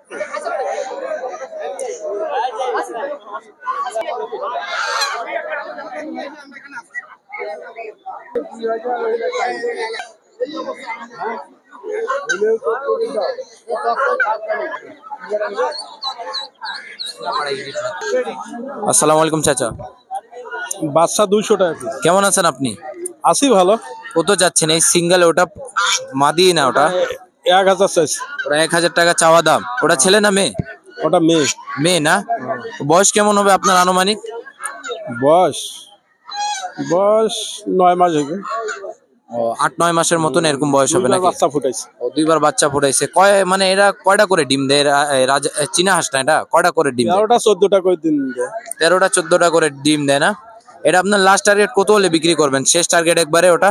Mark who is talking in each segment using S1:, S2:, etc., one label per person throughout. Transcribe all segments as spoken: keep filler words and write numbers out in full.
S1: আসসালামু আলাইকুম চাচা।
S2: বাচ্চা দুইশো টাকা।
S1: কেমন আছেন আপনি?
S2: আছি ভালো।
S1: কত যাচ্ছেন এই সিঙ্গেল? ওটা মাদি না ওটা?
S2: এক হাজার চাইছি।
S1: ওটা এক হাজার টাকা চাওয়া দাম। ওটা ছেলে না মেয়ে?
S2: ওটা মেয়ে।
S1: মেয়ে না? বয়স কেমন হবে আপনার আনুমানিক?
S2: বয়স বয়স নয় মাস হবে।
S1: ও আট নয় মাসের মতন এরকম বয়স হবে নাকি?
S2: বাচ্চা ফুটাইছে।
S1: ও দুইবার বাচ্চা ফুটাইছে। কয় মানে এরা কয়টা করে ডিম দেয়? এরা- এ রাজা এ চীনা হাঁস না এটা? কয়টা করে ডিম দেয়?
S2: তেরোটা চোদ্দটা করে দিন দেয়।
S1: তেরোটা চোদ্দটা করে ডিম দেয় না? এটা আপনার লাস্ট টার্গেট কত হলে বিক্রি করবেন? শেষ টার্গেট একবারে ওটা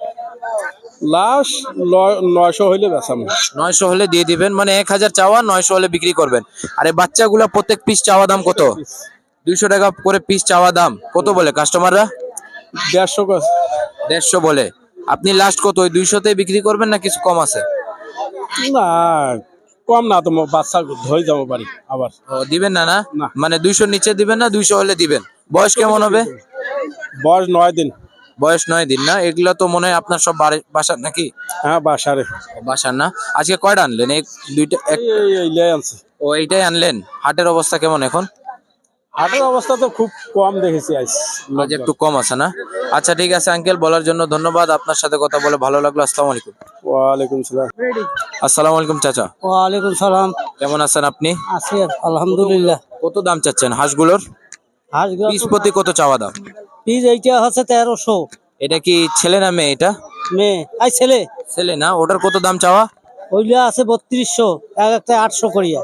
S2: লাস্ট নয়শো হইলে বেচাম।
S1: নয়শো হলে দিয়ে দিবেন, মানে এক হাজার চাওয়া, নয়শো হলে বিক্রি করবেন। আর এই বাচ্চাগুলা প্রত্যেক পিস চাওয়া দাম কত? দুইশো টাকা করে পিস চাওয়া দাম। কত বলে কাস্টমাররা?
S2: দেড়শো
S1: দেড়শো বলে। আপনি লাস্ট কত ওই দুইশোতে বিক্রি করবেন না কিছু কম আছে?
S2: না কম না, তো বাচ্চা ধরে যাবো বাড়ি আবার।
S1: ও দিবেন না না?
S2: না।
S1: মানে দুইশোর নিচে দিবেন না, দুইশো হলে দিবেন। বয়স কেমন হবে?
S2: বয়স নয় দিন।
S1: বয়স নয় দিন না? এগুলা তো মনে হয় আপনার সব বাড়ি- বাসার নাকি?
S2: হ্যাঁ বাসারে।
S1: বাসার না? আজকে কয়টা আনলেন? এক দুইটা এক
S2: এই এই লে আনছি।
S1: ও এইটাই আনলেন? হাটের অবস্থা কেমন এখন?
S2: হাটের অবস্থা তো খুব কম দেখেছি আজ।
S1: আজ একটু কম আছে না? আচ্ছা ঠিক আছে আঙ্কেল, বলার জন্য ধন্যবাদ। আপনার সাথে কথা বলে ভালো লাগলো। আসসালামু আলাইকুম।
S2: ওয়ালাইকুম সালাম।
S1: আসসালামু আলাইকুম চাচা।
S3: ওয়ালাইকুম সালাম।
S1: কেমন আছেন আপনি?
S3: আছি আলহামদুলিল্লাহ।
S1: কত দাম চাচ্ছেন হাঁসগুলোর?
S3: হাঁসগুলো
S1: পিস প্রতি কত চাওয়া দাম?
S3: পিস এইটা হচ্ছে তেরোশো।
S1: এটা কি ছেলে না মেয়ে? এটা
S3: মেয়ে। আই ছেলে।
S1: ছেলে না? ওটার কত দাম চাওয়া?
S3: ওইটা আছে বত্রিশশো, এক একটা আটশো করিয়া।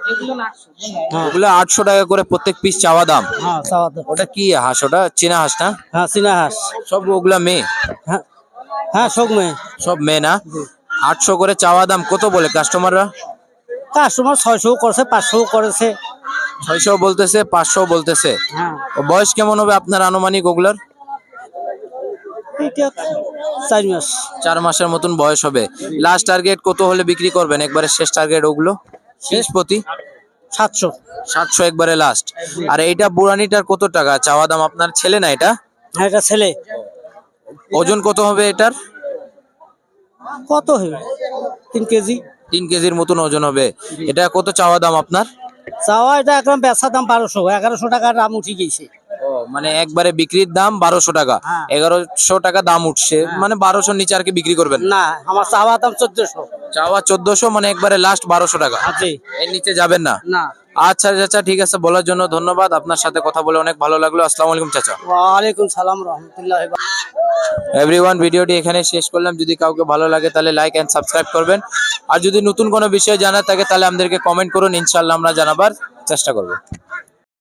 S1: ওগুলো আটশো টাকা করে প্রত্যেক পিস চাওয়া দাম।
S3: হ্যাঁ চাওয়া দাম।
S1: ওটা কি হাঁস? ওটা চীনা হাঁস না?
S3: হ্যাঁ চীনা হাঁস।
S1: সব ওগুলা মেয়ে?
S3: হ্যাঁ হ্যাঁ সব মেয়ে।
S1: সব মেয়ে না? আটশো করে চাওয়া দাম। কত বলে কাস্টমাররা?
S3: কাস্টমার ছয়শো করেছে, পাঁচশো করেছে।
S1: ছয়শো বলতেছে, পাঁচশো বলতেছে।
S3: হ্যাঁ
S1: ও বয়স কেমন হবে আপনার আনুমানিক ওগুলার?
S3: এইটা চার মাস।
S1: চার মাসের মতন বয়স হবে। লাস্ট টার্গেট কত হলে বিক্রি করবেন একবারে শেষ টার্গেট ওগুলো? শেষ প্রতি
S3: সাতশো।
S1: সাতশো একবারে লাস্ট। আর এইটা বুড়ানিটার কত টাকা চাওয়া দাম আপনার? ছেলে না এটা?
S3: হ্যাঁ এটা ছেলে।
S1: ওজন কত হবে এটার?
S3: কত হবে? তিন কেজি।
S1: তিন কেজির মতন ওজন হবে। এটা কত চাওয়া দাম আপনার?
S3: চাওয়া এটা একদম বেচা দাম বারোশো, এগারোশো টাকার দাম উঠে গেছে।
S1: ও মানে একবারে বিক্রির দাম বারোশো টাকা,
S3: হ্যাঁ।
S1: এগারোশো টাকা দাম উঠছে, মানে বারোশোর নিচে আর কি বিক্রি করবেন
S3: না, আমার চাওয়া দাম চোদ্দশো।
S1: চাওয়া চোদ্দশো, মানে একবারে লাস্ট বারোশো টাকা,
S3: আছে
S1: এর নিচে যাবেন না?
S3: না।
S1: আচ্ছা চাচা ঠিক আছে, বলার জন্য ধন্যবাদ। আপনার সাথে কথা বলে অনেক ভালো লাগলো। আসসালামু আলাইকুম চাচা।
S3: ওয়ালাইকুম সালাম রহমতুল্লাহ।
S1: এভরিওয়ান, ভিডিওটি এখানে শেষ করলাম। যদি কাউকে ভালো লাগে তাহলে লাইক এন্ড সাবস্ক্রাইব করবেন। আর যদি নতুন কোনো বিষয় জানার থাকে তাহলে আমাদেরকে কমেন্ট করুন, ইনশাআল্লাহ আমরা জানাবার চেষ্টা করব।